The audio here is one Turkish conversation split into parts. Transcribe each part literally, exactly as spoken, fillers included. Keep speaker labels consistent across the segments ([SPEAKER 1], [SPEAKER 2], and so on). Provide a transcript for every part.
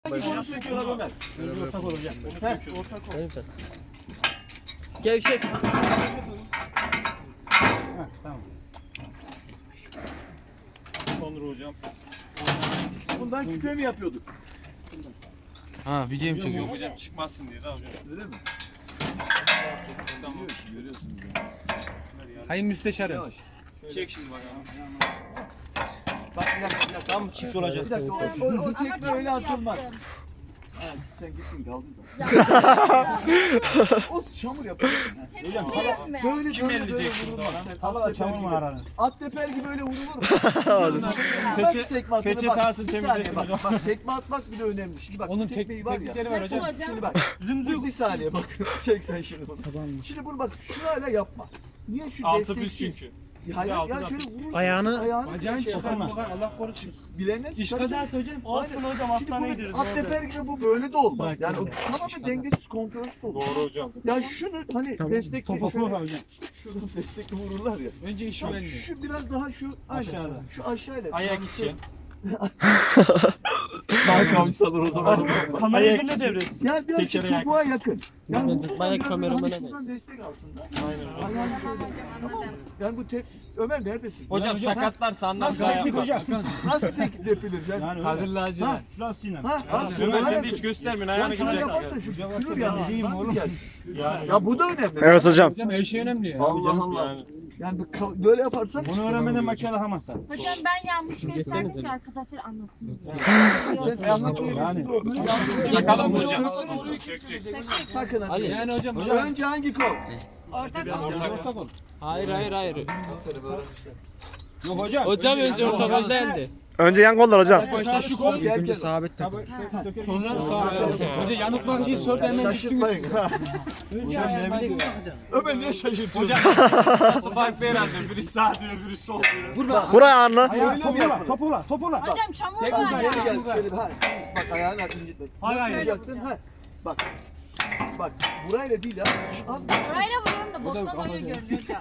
[SPEAKER 1] Onu söküyorlar Ömer.
[SPEAKER 2] Böyle ortak olur hocam.
[SPEAKER 1] Heh, ortak ol.
[SPEAKER 3] Gevşek.
[SPEAKER 2] Heh, tamam.
[SPEAKER 4] Sonra hocam.
[SPEAKER 1] Bundan küpe mi yapıyorduk?
[SPEAKER 3] Ha video mu çekiyor?
[SPEAKER 4] Hocam çıkmazsın diye de hocam.
[SPEAKER 1] Öyle mi?
[SPEAKER 4] Tamam.
[SPEAKER 1] Görüyorsun, görüyorsunuz yani.
[SPEAKER 2] Sayın Müsteşarım.
[SPEAKER 1] Yavaş.
[SPEAKER 4] Çek şimdi bakalım.
[SPEAKER 1] Bak bir dakika, bir dakika.
[SPEAKER 2] Tam çift olacak.
[SPEAKER 1] Bir dakika, o, o, o tekme öyle atılmaz. Ha, sen gittin kaldın zaten. O çamur yapıyorsun.
[SPEAKER 2] Hocam
[SPEAKER 1] Böyle
[SPEAKER 4] Kim
[SPEAKER 1] böyle böyle
[SPEAKER 4] elleyecek şimdi
[SPEAKER 1] vurulmaz.
[SPEAKER 4] ona?
[SPEAKER 1] Sen
[SPEAKER 2] hava da
[SPEAKER 1] at teper
[SPEAKER 2] çamur mu
[SPEAKER 1] gibi.
[SPEAKER 2] aranın?
[SPEAKER 1] At teper gibi öyle vurulur mu? Nasıl tekme atılır?
[SPEAKER 4] peçete
[SPEAKER 1] Bak,
[SPEAKER 4] alsın,
[SPEAKER 1] bir saniye
[SPEAKER 4] temizlesin
[SPEAKER 1] bak,
[SPEAKER 4] hocam.
[SPEAKER 1] bak tekme atmak bile önemli. Şimdi bak
[SPEAKER 2] Onun
[SPEAKER 1] bu tekmeyi var ya.
[SPEAKER 2] teknikleri var hocam.
[SPEAKER 1] Şimdi bak. Dümdüz bir saniye bak. Çek sen şimdi bunu. Şimdi bunu bak şurayla yapma. Niye şu
[SPEAKER 4] Altı düz
[SPEAKER 1] desteksiz?
[SPEAKER 4] çünkü.
[SPEAKER 1] Ya hayır
[SPEAKER 4] Altı
[SPEAKER 1] ya
[SPEAKER 4] da
[SPEAKER 1] şöyle
[SPEAKER 4] düz.
[SPEAKER 1] vurursun.
[SPEAKER 3] Ayağını-
[SPEAKER 1] ayağını
[SPEAKER 2] Bacağın
[SPEAKER 1] şey
[SPEAKER 2] çıkar
[SPEAKER 1] yaparsan.
[SPEAKER 2] sokar Allah korusun.
[SPEAKER 1] Bilene
[SPEAKER 2] İş
[SPEAKER 1] çıkar.
[SPEAKER 2] kazası hocam.
[SPEAKER 4] Olsun hocam
[SPEAKER 1] Şimdi
[SPEAKER 4] hastaneye
[SPEAKER 1] bunu
[SPEAKER 4] gideriz.
[SPEAKER 1] at teper gibi bu böyle de olmaz.
[SPEAKER 2] Bak,
[SPEAKER 1] Yani o
[SPEAKER 2] bak.
[SPEAKER 1] tamamen dengesiz kontrolsüz olur.
[SPEAKER 4] Doğru hocam.
[SPEAKER 1] Ya şunu hani
[SPEAKER 3] Tamam,
[SPEAKER 1] destekli
[SPEAKER 2] Topu
[SPEAKER 1] şöyle
[SPEAKER 2] hocam.
[SPEAKER 1] şuradan destekli vururlar ya.
[SPEAKER 2] Önce iş
[SPEAKER 1] Şu,
[SPEAKER 2] güvenliği.
[SPEAKER 1] şu biraz daha şu aşağıda. Şu aşağıyla.
[SPEAKER 4] Ayak içi.
[SPEAKER 1] Sağ kamçalar o zaman.
[SPEAKER 4] Kamerayı ne devret?
[SPEAKER 1] Ya biraz şu
[SPEAKER 4] Tekere yak.
[SPEAKER 1] topuğa yakın. Yani
[SPEAKER 3] Ben
[SPEAKER 1] bu
[SPEAKER 3] bayağı
[SPEAKER 1] bayağı
[SPEAKER 3] kameramana
[SPEAKER 1] hani şuradan destek alsın da.
[SPEAKER 4] Aynen.
[SPEAKER 1] Ayağını şöyle. Tamam mı? Yani bu tep... Ömer neredesin?
[SPEAKER 4] Hocam
[SPEAKER 2] hocam,
[SPEAKER 4] sakatlarsa anlar
[SPEAKER 1] Nasıl
[SPEAKER 4] daha
[SPEAKER 1] teknik
[SPEAKER 4] yapar.
[SPEAKER 1] hocam? Nasıl teknik depilir? Yani,
[SPEAKER 2] Yani
[SPEAKER 4] Kadir
[SPEAKER 2] öyle.
[SPEAKER 4] lacivert.
[SPEAKER 1] Ha,
[SPEAKER 2] Şurasıyla.
[SPEAKER 1] ha, az
[SPEAKER 4] Ömer sen de
[SPEAKER 1] yakın.
[SPEAKER 4] hiç göstermiyorsun
[SPEAKER 1] Ya
[SPEAKER 4] ayağını
[SPEAKER 1] şunu
[SPEAKER 4] güzel.
[SPEAKER 1] yaparsan şu kırır yani.
[SPEAKER 2] Değil mi oğlum?
[SPEAKER 4] Yani.
[SPEAKER 1] Ya bu da önemli.
[SPEAKER 3] Evet hocam.
[SPEAKER 2] Hocam her şey önemli ya.
[SPEAKER 1] Allah Allah.
[SPEAKER 4] Yani.
[SPEAKER 1] Yani bu kal- böyle yaparsan
[SPEAKER 2] Bunu öğrenmeden makine alamazsın.
[SPEAKER 5] Hocam ben yanlış gösterdim ki arkadaşlar anlasın diye.
[SPEAKER 1] sen anlatıyorsun.
[SPEAKER 2] Yani.
[SPEAKER 4] Yakalım hocam.
[SPEAKER 1] Sakın hadi.
[SPEAKER 3] Ali.
[SPEAKER 2] Yani hocam.
[SPEAKER 1] Önce hangi kol?
[SPEAKER 5] Ortak
[SPEAKER 2] Önce
[SPEAKER 5] ortak.
[SPEAKER 2] ortak ol.
[SPEAKER 3] Hayır hayır hayır.
[SPEAKER 2] Yok hocam.
[SPEAKER 3] Hocam önce ortak ol değildi.
[SPEAKER 6] Önce yan kollar hocam.
[SPEAKER 2] Başta şu kol.
[SPEAKER 1] Gel gel.
[SPEAKER 3] sabit
[SPEAKER 2] Tabii.
[SPEAKER 3] Sonra sağ
[SPEAKER 2] Önce yanıklar şeyi sor hemen düştünüz.
[SPEAKER 1] Şaşırtmayın.
[SPEAKER 2] Hocam ne bileyim.
[SPEAKER 1] Ömer niye şaşırtıyorsun?
[SPEAKER 4] Hocam nasıl farklı herhalde. Biri sağ diyor, biri sol diyor.
[SPEAKER 6] Buraya anla.
[SPEAKER 2] Ayağı
[SPEAKER 1] Öyle mi
[SPEAKER 2] topula,
[SPEAKER 1] yapılır?
[SPEAKER 2] topula, topula.
[SPEAKER 5] Hocam çamur
[SPEAKER 1] Tek
[SPEAKER 5] var
[SPEAKER 1] bir
[SPEAKER 5] ya.
[SPEAKER 1] geri gel şöyle bir ha. Bak ayağını at incitme.
[SPEAKER 4] Hayır,
[SPEAKER 1] Nasıl
[SPEAKER 4] hayır.
[SPEAKER 1] yapacaktın? Ha. Bak. Bak burayla değil ya. Az
[SPEAKER 5] Burayla vuruyorum da bottan öyle görünüyor hocam.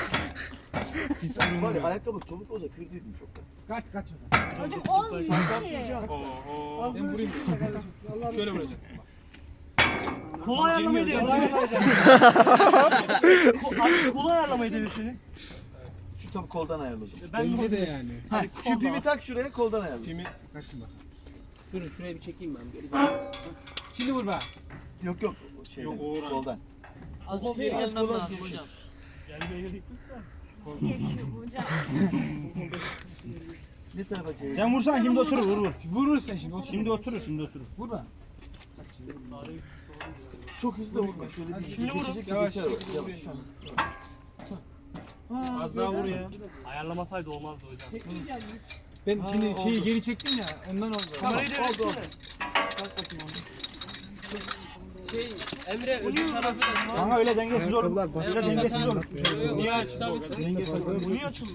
[SPEAKER 1] var ya ayakkabı topuk olsa kırdıydım çoktan.
[SPEAKER 2] Kaç kaç.
[SPEAKER 5] Hocam olmuyor ki.
[SPEAKER 4] Oho.
[SPEAKER 2] Ben vurayım. Şöyle vuracaksın.
[SPEAKER 4] Kolay ayarlamayı da Kolay ayarlamayı devirsene.
[SPEAKER 1] Şu tam koldan ayarladım.
[SPEAKER 2] Bence de yani.
[SPEAKER 1] Ha, şu pimi tak şuraya koldan ayarladım.
[SPEAKER 4] Kimi?
[SPEAKER 2] Kaçın bak.
[SPEAKER 3] Durun şuraya bir çekeyim ben.
[SPEAKER 2] Şimdi vur be.
[SPEAKER 1] Yok yok. Şeyden,
[SPEAKER 4] Yok, Uğur abi.
[SPEAKER 1] koldan.
[SPEAKER 3] Az
[SPEAKER 1] bir gelmem lazım
[SPEAKER 3] hocam.
[SPEAKER 5] Gevşiyor hocam.
[SPEAKER 1] Ne tarafa çevir?
[SPEAKER 2] Sen vursan şimdi oturur vur vur. Vurur sen şimdi. Şimdi oturur şimdi oturur. Vur be.
[SPEAKER 1] Çok hızlı vurma. Şöyle bir
[SPEAKER 4] Şimdi vurun.
[SPEAKER 1] geçeceksin
[SPEAKER 2] Yavaş,
[SPEAKER 1] geçer.
[SPEAKER 2] yavaş.
[SPEAKER 1] Yavaş. Ha,
[SPEAKER 4] Az daha vur ya. Ayarlamasaydı olmazdı hocam.
[SPEAKER 2] Ben şimdi şeyi geri çektim ya ondan oldu.
[SPEAKER 4] Kamerayı da
[SPEAKER 1] oldu.
[SPEAKER 3] Şey Emre öbür tarafı da.
[SPEAKER 2] Ama öyle dengesiz olur. Öyle dengesiz olur.
[SPEAKER 4] Niye açtı? Bu niye açıldı?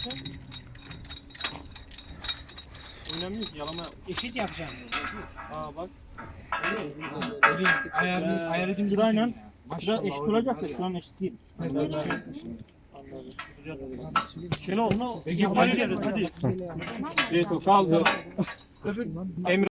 [SPEAKER 4] Önemli yok yalama.
[SPEAKER 2] Eşit yapacağım.
[SPEAKER 4] Aa bak.
[SPEAKER 2] Ayarını ayarıcım durayla. Şura eşit olacak da şu an eşit değil.
[SPEAKER 4] Şenol. Peki hadi. Hadi. Evet o kaldı. Emre.